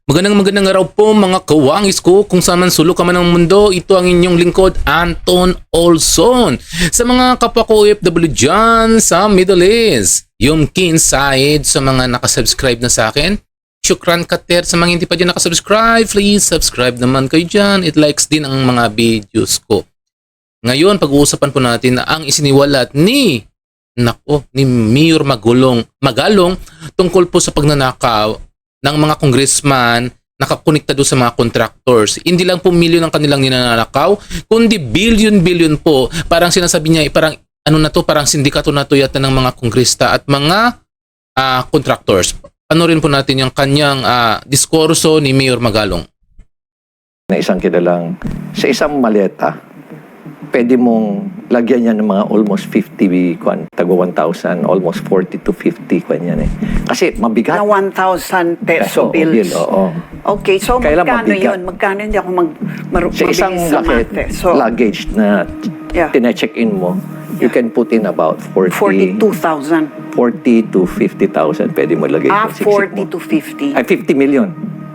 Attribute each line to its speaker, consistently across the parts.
Speaker 1: Magandang araw po mga kawangis ko kung saan man sulok ka man ng mundo. Ito ang inyong lingkod, Anton Olson. Sa mga kapwa ko OFW dyan sa Middle East, yung Kinside sa mga nakasubscribe na sa akin. Shukran kater sa mga hindi pa dyan nakasubscribe. Please subscribe naman kayo dyan. It likes din ang mga videos ko. Ngayon, pag-uusapan po natin na ang isiniwalat ni Mayor Magalong tungkol po sa pagnanakaw ng mga congressman nakakonekta doon sa mga contractors. Hindi lang po milyon ang kanilang ninanakaw, kundi billion po. Parang sinasabi niya, parang parang sindikato na to yata ng mga kongresta at mga contractors. Ano rin po natin yung kanyang diskurso ni Mayor Magalong.
Speaker 2: Na isang kilalang sa isang maleta, pwede mong lagyan yan ng mga almost 50, tago 1,000, almost 40 to 50 yan eh. Kasi mabigat.
Speaker 3: Na 1,000 peso bills.
Speaker 2: Oo.
Speaker 3: Okay, so
Speaker 2: Kailan
Speaker 3: magkano
Speaker 2: mabigat?
Speaker 3: yun? Magkano hindi ako
Speaker 2: Sa isang
Speaker 3: mabilis sa mate. So,
Speaker 2: luggage na
Speaker 3: Yeah.
Speaker 2: tine-check-in mo, you can put in about
Speaker 3: 42,000.
Speaker 2: 40 to 50,000 pwede mo lagay. sa siksik
Speaker 3: 40
Speaker 2: mo.
Speaker 3: to 50.
Speaker 2: Ay, 50 million.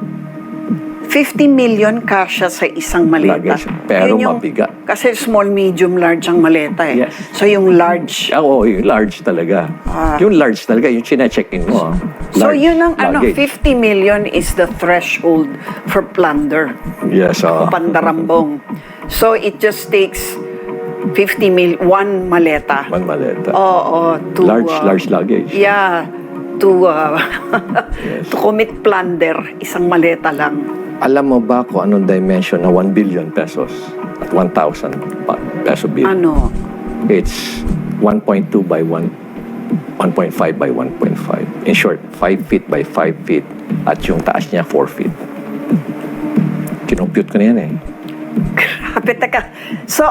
Speaker 3: 50 million kasya sa isang maleta.
Speaker 2: Luggage, pero
Speaker 3: Yun
Speaker 2: mabigat.
Speaker 3: Kasi small, medium, large ang maleta eh.
Speaker 2: Yes.
Speaker 3: So yung large.
Speaker 2: Oo, yung large talaga. Yung large talaga, yung chine-check-in mo.
Speaker 3: So
Speaker 2: Large
Speaker 3: yun ang
Speaker 2: luggage.
Speaker 3: 50 million is the threshold for plunder.
Speaker 2: Yes,
Speaker 3: O pandarambong. So it just takes 50 one maleta.
Speaker 2: One maleta.
Speaker 3: Oo, to
Speaker 2: Large luggage.
Speaker 3: Yeah, to
Speaker 2: Yes.
Speaker 3: to commit plunder, isang maleta lang.
Speaker 2: Alam mo ba kung anong dimension na 1 billion pesos at 1,000 peso bill?
Speaker 3: Ano?
Speaker 2: It's 1.2 by 1.5 by 1.5. In short, 5 feet by 5 feet at yung taas niya 4 feet. Kinompute ko na yan eh.
Speaker 3: Grabe, teka. So,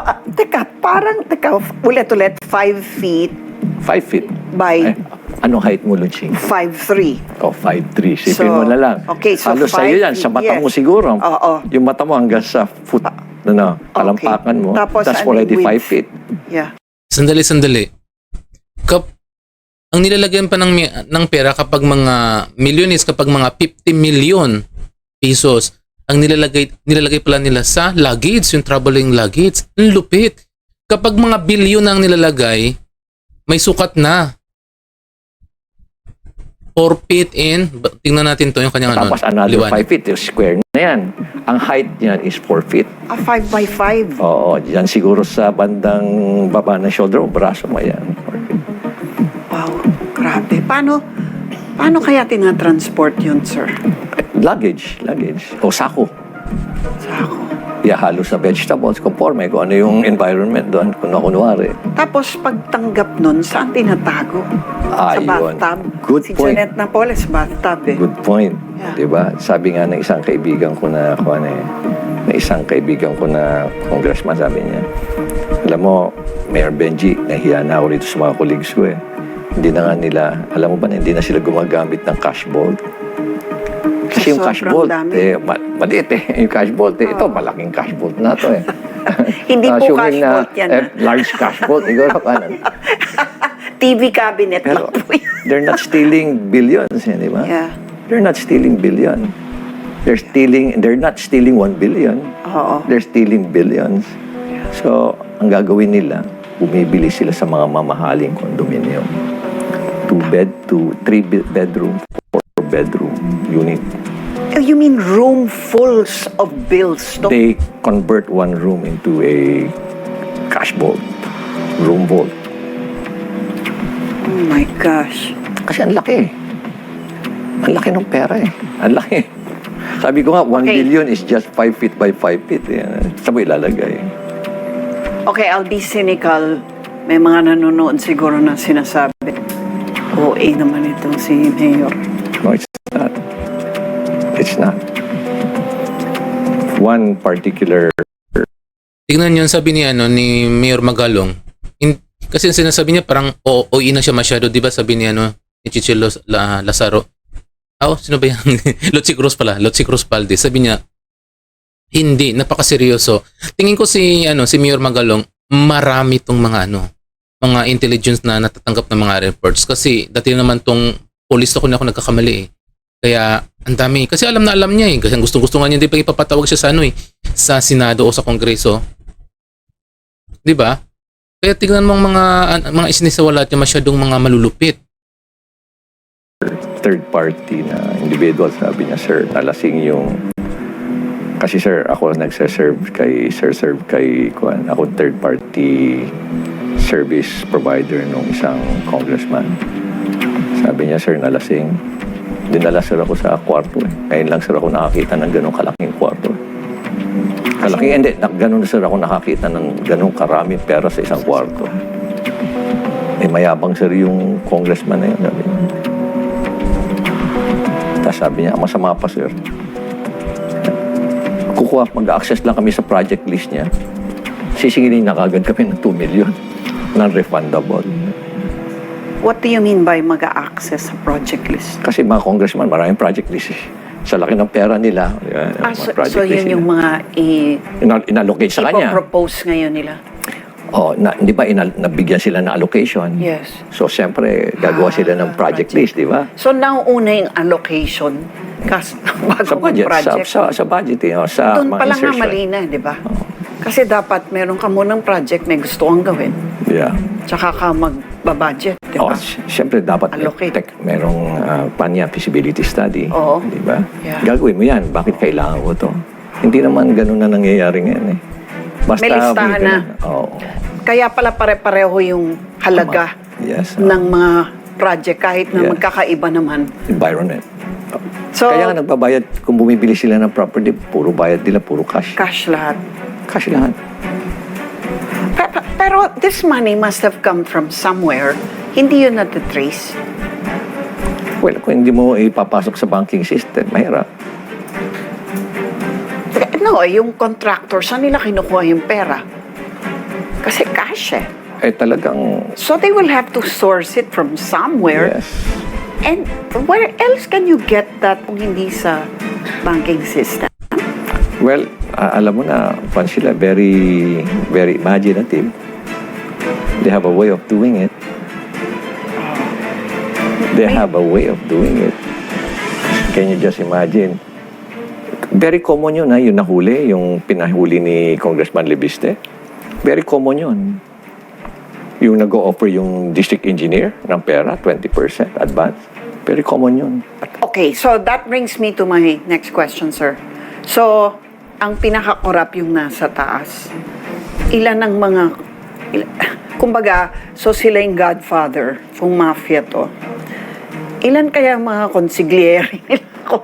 Speaker 3: ulit, 5 feet
Speaker 2: 5 feet.
Speaker 3: by
Speaker 2: Anong height mo, Lunching?
Speaker 3: 5'3".
Speaker 2: O, 5'3". Sipin
Speaker 3: So,
Speaker 2: mo na lang.
Speaker 3: okay, so
Speaker 2: Halos
Speaker 3: 5
Speaker 2: sa'yo yan.
Speaker 3: feet,
Speaker 2: Sa mata
Speaker 3: yes.
Speaker 2: mo siguro.
Speaker 3: Oo.
Speaker 2: Yung mata mo hanggang sa foot. Kalampakan mo.
Speaker 3: Tapos,
Speaker 2: That's
Speaker 3: ano
Speaker 2: already
Speaker 3: yung
Speaker 2: 5
Speaker 3: width?
Speaker 2: feet.
Speaker 3: Yeah.
Speaker 1: Sandali. Ang nilalagyan pa ng pera kapag mga milyones, kapag mga 50 million pesos, ang nilalagay pala nila sa luggage, yung traveling luggage. Ang lupit. Kapag mga bilyon ang nilalagay, may sukat na. 4 feet in, tingnan natin to yung kanyang
Speaker 2: Tapos another
Speaker 1: liwanag.
Speaker 2: 5 feet, yung square na yan. Ang height niyan is 4 feet.
Speaker 3: 5 by 5.
Speaker 2: Oo, diyan siguro sa bandang baba ng shoulder o braso mo yan. 4 feet.
Speaker 3: Wow, grabe. Paano kaya tinatransport yun, sir?
Speaker 2: Luggage. O sako.
Speaker 3: Sako.
Speaker 2: Ihahalo sa vegetables, conforme kung ano yung environment doon, kung kunwari.
Speaker 3: Tapos pagtanggap nun, saan tinatago? Sa
Speaker 2: Yun.
Speaker 3: bathtub?
Speaker 2: Good
Speaker 3: si
Speaker 2: point.
Speaker 3: Janet Napoles, bathtub eh.
Speaker 2: Good point.
Speaker 3: Yeah.
Speaker 2: Diba? Sabi nga ng isang kaibigan ko na congressman, sabi niya, alam mo, Mayor Benji, nahiya na ako rito sa mga colleagues ko eh. Hindi na nga nila, alam mo ba na hindi na sila gumagamit ng cash vault? Kasi yung cash vault, maliit eh. Yung cash vault, ito, malaking cash vault na to eh.
Speaker 3: Hindi po
Speaker 2: Assuming
Speaker 3: cash vault yan,
Speaker 2: large cash vault, siguro kanan.
Speaker 3: TV cabinet
Speaker 2: Pero
Speaker 3: lang po yan.
Speaker 2: they're not stealing billions, eh, di ba?
Speaker 3: Yeah.
Speaker 2: They're not stealing billion. They're not stealing 1 billion.
Speaker 3: Oo.
Speaker 2: They're stealing billions. So, ang gagawin nila, bumibili sila sa mga mamahaling condominium. 3 bedroom, 4 bedroom unit.
Speaker 3: You mean room fulls of bills? No?
Speaker 2: They convert one room into a cash vault, room vault.
Speaker 3: Oh my gosh.
Speaker 2: Kasi ang laki. Ang laki ng pera eh. Ang laki. Sabi ko nga, 1
Speaker 3: Okay.
Speaker 2: billion is just 5 feet by 5 feet. Saan mo ilalagay?
Speaker 3: Okay, I'll be cynical. May mga nanonood siguro na sinasabi, OA naman itong si Mayor.
Speaker 2: No, it's not. It's not. One particular...
Speaker 1: Tingnan yun, sabi ni Mayor Magalong. Kasi sinasabi niya parang OE na siya masyado, di ba? Sabi ni ni Chichilo Lazaro. Sino ba yan? Lotsi Cruz Valdez. Sabi niya, hindi, napakaseryoso. Tingin ko si Mayor Magalong, marami tong mga mga intelligence na natatanggap ng mga reports. Kasi dati naman tong police ako na ako nagkakamali eh. Kaya ang dami. Kasi alam na alam niya eh. Kasi gusto nga niya din pag ipapatawag siya sa sa Senado o sa Kongreso. 'Di ba? Kaya tingnan mo ang mga isinisawalat niya masyadong mga malulupit.
Speaker 2: Third party na individual, sabi niya, sir, nalasing yung... Kasi sir, ako nagsaserve kay Kuan. Ako third party service provider nung isang congressman. Sabi niya, sir, nalasing. Dinala sir ako sa kwarto eh. Ngayon lang sir ako nakakita ng ganong kalaking kwarto. Ganun sir ako nakakita ng ganong karaming pera sa isang kwarto. Eh, mayabang sir yung congressman na yun. Sabi niya. Tapos sabi niya, masama pa sir. Mag-access lang kami sa project list niya. Sisingilin na kagad kami ng 2 million. Non-refundable.
Speaker 3: What do you mean by mag-access sa project list?
Speaker 2: Kasi mga congressman, maraming project list eh. Sa laki ng pera nila.
Speaker 3: So yun yung mga
Speaker 2: inallocate sa kanya.
Speaker 3: Ipo-propose ngayon nila?
Speaker 2: Di ba nabigyan sila ng allocation?
Speaker 3: Yes.
Speaker 2: So, siyempre, gagawa sila ng project list, di ba?
Speaker 3: So nauuna yung allocation bago
Speaker 2: Sa budget,
Speaker 3: project.
Speaker 2: sa budget, sa
Speaker 3: Doon
Speaker 2: mga
Speaker 3: pa lang nga
Speaker 2: insertion.
Speaker 3: mali na, di ba? Kasi dapat meron ka munang project, may gusto kang gawin.
Speaker 2: Yeah.
Speaker 3: Tsaka ka magbabudget, di ba?
Speaker 2: Siyempre, dapat
Speaker 3: Allocate.
Speaker 2: merong feasibility study.
Speaker 3: Oo.
Speaker 2: Di ba?
Speaker 3: Yeah.
Speaker 2: Gagawin mo yan. Bakit kailangan ko to? Hindi naman ganun na nangyayari ngayon eh. Basta
Speaker 3: May listahan na.
Speaker 2: Oo.
Speaker 3: Kaya pala pare-pareho yung halaga
Speaker 2: Yes.
Speaker 3: ng mga project kahit na
Speaker 2: Yeah.
Speaker 3: magkakaiba naman.
Speaker 2: Environment.
Speaker 3: So,
Speaker 2: Kaya nga nagbabayad, kung bumibili sila ng property, puro bayad nila, puro cash.
Speaker 3: cash lahat.
Speaker 2: Cash lahat.
Speaker 3: Pero this money must have come from somewhere. Hindi yun natitrace.
Speaker 2: Well, kung hindi mo ipapasok sa banking system, mahirap.
Speaker 3: No, yung contractor, saan nila kinukuha yung pera? Kasi cash eh.
Speaker 2: Eh talagang,
Speaker 3: So they will have to source it from somewhere.
Speaker 2: yes.
Speaker 3: And where else can you get that kung hindi sa banking system?
Speaker 2: Well, alam mo na, pan sila, very, very imaginative. They have a way of doing it. They have a way of doing it. Can you just imagine? Very common yun, yung nahuli, yung pinahuli ni Congressman Lebiste. Very common yun. Yung nag-o-offer yung district engineer ng pera, 20% advance. Very common yun.
Speaker 3: Okay, so that brings me to my next question, sir. So, ang pinaka-corrupt yung nasa taas. Ilan ang mga... kumbaga, so sila yung godfather, kung mafia to. Ilan kaya ang mga consigliere nila?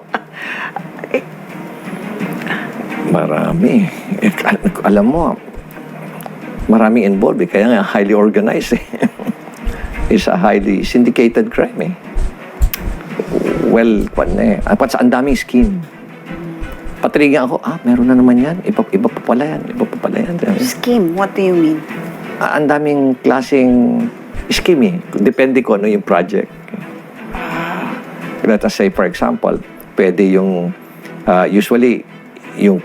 Speaker 2: Marami. Alam mo, maraming involved eh. Kaya nga highly organized eh. It's a highly syndicated crime eh. Well, ang daming scheme. Patrigyan ako, meron na naman yan. Iba pa pala yan.
Speaker 3: Scheme, what do you mean?
Speaker 2: Ang daming klaseng scheme eh. Depende ko ano yung project. Let us say, for example, pwede yung, usually, yung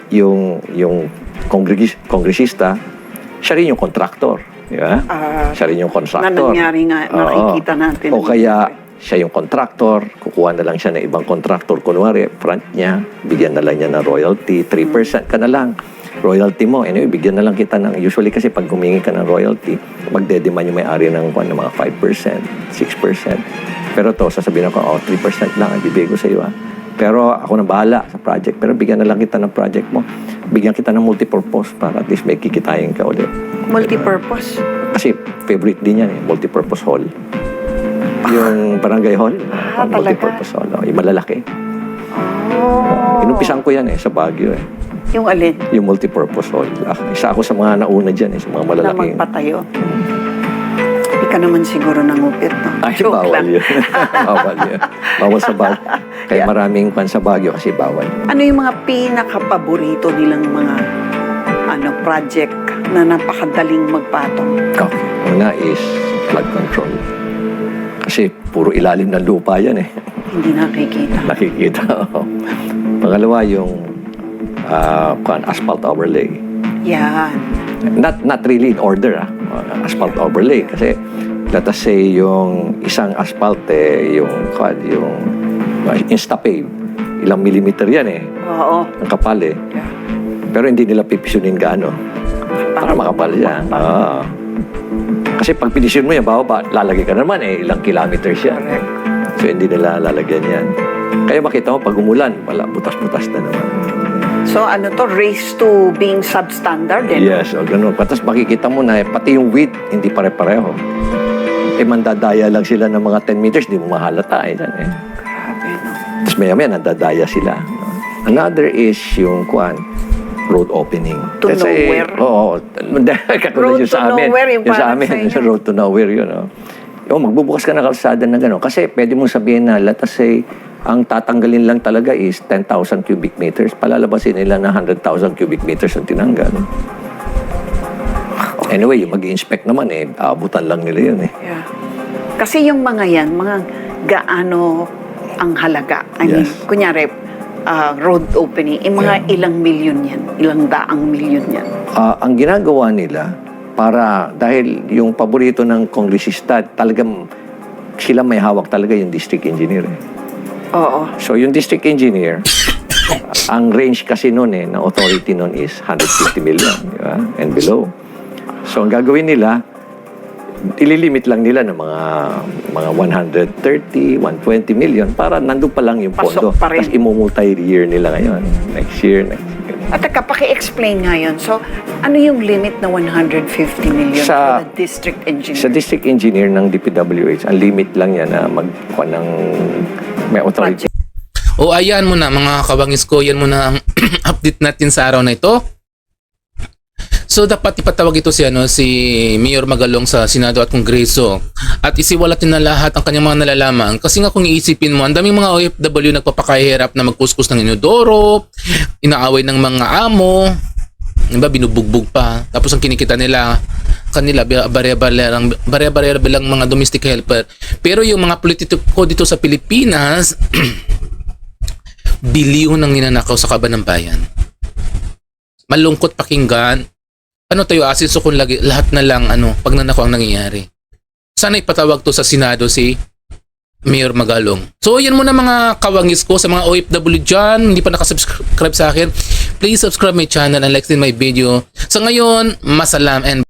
Speaker 2: kongresista, siya rin yung contractor. Di ba? Siya rin yung contractor.
Speaker 3: Na nangyari nga, nakikita natin.
Speaker 2: O kaya, siya yung contractor, kukuha na lang siya ng ibang contractor. Kunwari, front niya, bigyan na lang niya ng royalty, 3% ka na lang. Royalty mo, anyway, bigyan na lang kita ng, usually kasi pag humingi ka ng royalty, magdedemand yung may-ari ng mga 5%, 6%. Pero to, sasabihin ako, 3% lang, ibibigay ko sa iyo. Pero ako na bahala sa project. Pero bigyan na lang kita ng project mo. Bigyan kita ng multipurpose para at least may kikitayin ka ulit.
Speaker 3: Multipurpose?
Speaker 2: Kasi favorite din yan eh, multipurpose hall. Yung barangay hall, multipurpose hall. Yung malalaki. Inumpisan ko yan eh, sa Baguio eh.
Speaker 3: Yung alin?
Speaker 2: Yung multipurpose hall. Isa ako sa mga nauna dyan eh, sa mga malalaking.
Speaker 3: Na magpatayo? Hindi ka naman siguro nangupit, no?
Speaker 2: Ay,
Speaker 3: Joke
Speaker 2: bawal
Speaker 3: lang.
Speaker 2: yun. Bawal yun. Bawal sa Baguio. Kaya maraming pan sa Baguio kasi bawal.
Speaker 3: Ano yung mga pinaka-paborito nilang mga project na napakadaling magpatong?
Speaker 2: Okay. Una is flood control. Kasi puro ilalim ng lupa yan eh.
Speaker 3: Hindi nakikita.
Speaker 2: Nakikita. Pangalawa yung asphalt overlay.
Speaker 3: Yan.
Speaker 2: Not really in order asphalt overlay kasi let us say yung isang asphalt yung Instapay. Ilang millimeter yan eh.
Speaker 3: Oo.
Speaker 2: Ang kapal eh.
Speaker 3: Yeah.
Speaker 2: Pero hindi nila pipisunin gaano. Para makapal yan. Kasi pag pinisyon mo yan, bababa, lalagay ka naman eh. Ilang kilometers yan.
Speaker 3: Correct.
Speaker 2: So hindi nila lalagyan yan. Kaya makita mo, pag umulan, wala, butas-butas na naman.
Speaker 3: So ano to, race to being substandard eh?
Speaker 2: Yes, o ganun. Tapos makikita mo na pati yung width, hindi pare-pareho. Mandadaya lang sila ng mga 10 meters, di mo mahalata eh.
Speaker 3: Grabe, no?
Speaker 2: Tapos maya-maya, nandadaya sila. No? Another is yung road opening.
Speaker 3: To nowhere?
Speaker 2: Oo. Katulad
Speaker 3: Road
Speaker 2: yung sa
Speaker 3: to
Speaker 2: amin.
Speaker 3: nowhere, yung
Speaker 2: Yung sa
Speaker 3: parang
Speaker 2: amin,
Speaker 3: sa inyo.
Speaker 2: yung road to nowhere yun. Magbubukas ka na kalsada na gano'n. Kasi pwede mong sabihin na, let us say, ang tatanggalin lang talaga is 10,000 cubic meters. Palalabasin nila na 100,000 cubic meters ang tinanggal. Anyway, yung mag-i-inspect naman aabutan lang nila yun eh.
Speaker 3: Yeah. Kasi yung mga yan, mga gaano ang halaga. I mean,
Speaker 2: Yes.
Speaker 3: kunyari, road opening, mga ilang milyon yan, ilang daang milyon yan.
Speaker 2: Ang ginagawa nila, dahil yung paborito ng kongresista, talagang sila may hawak talaga yung district engineer eh.
Speaker 3: Oo.
Speaker 2: So yung district engineer, ang range kasi noon na authority noon is 150 million, di ba? And below. So ang gagawin nila, ililimit lang nila ng mga 130, 120 million para nandun pa lang yung pondo.
Speaker 3: Pasok pa rin.
Speaker 2: Tapos imumulti-year nila ngayon. Next year.
Speaker 3: At teka, paki-explain nga yun. So, ano yung limit na 150 million
Speaker 2: Sa-
Speaker 3: for the district engineer?
Speaker 2: Sa district engineer ng DPWH, ang limit lang yan na magkuha ng may authority.
Speaker 1: O ayan mo na mga kabangis ko, yan mo na ang update natin sa araw na ito. So dapat ipatawag ito si Mayor Magalong sa Senado at Kongreso at isiwalatin na lahat ang kanyang mga nalalaman kasi nga kung iisipin mo ang daming mga OFW nagpapakahirap na magkuskus ng inodoro, inaaway ng mga amo, diba, binubugbog pa, tapos ang kinikita nila kanila barya-barya bilang mga domestic helper. Pero yung mga politiko dito sa Pilipinas bilyon ang ninanakaw sa kaban ng bayan. Malungkot pakinggan. Ano tayo asin so kung lahat na lang pag nanako ang nangyayari. Sana ipatawag to sa Senado si Mayor Magalong. So yan muna mga kawangis ko sa mga OFW dyan. Hindi pa nakasubscribe sa akin. Please subscribe my channel and like din my video. So ngayon, masalam and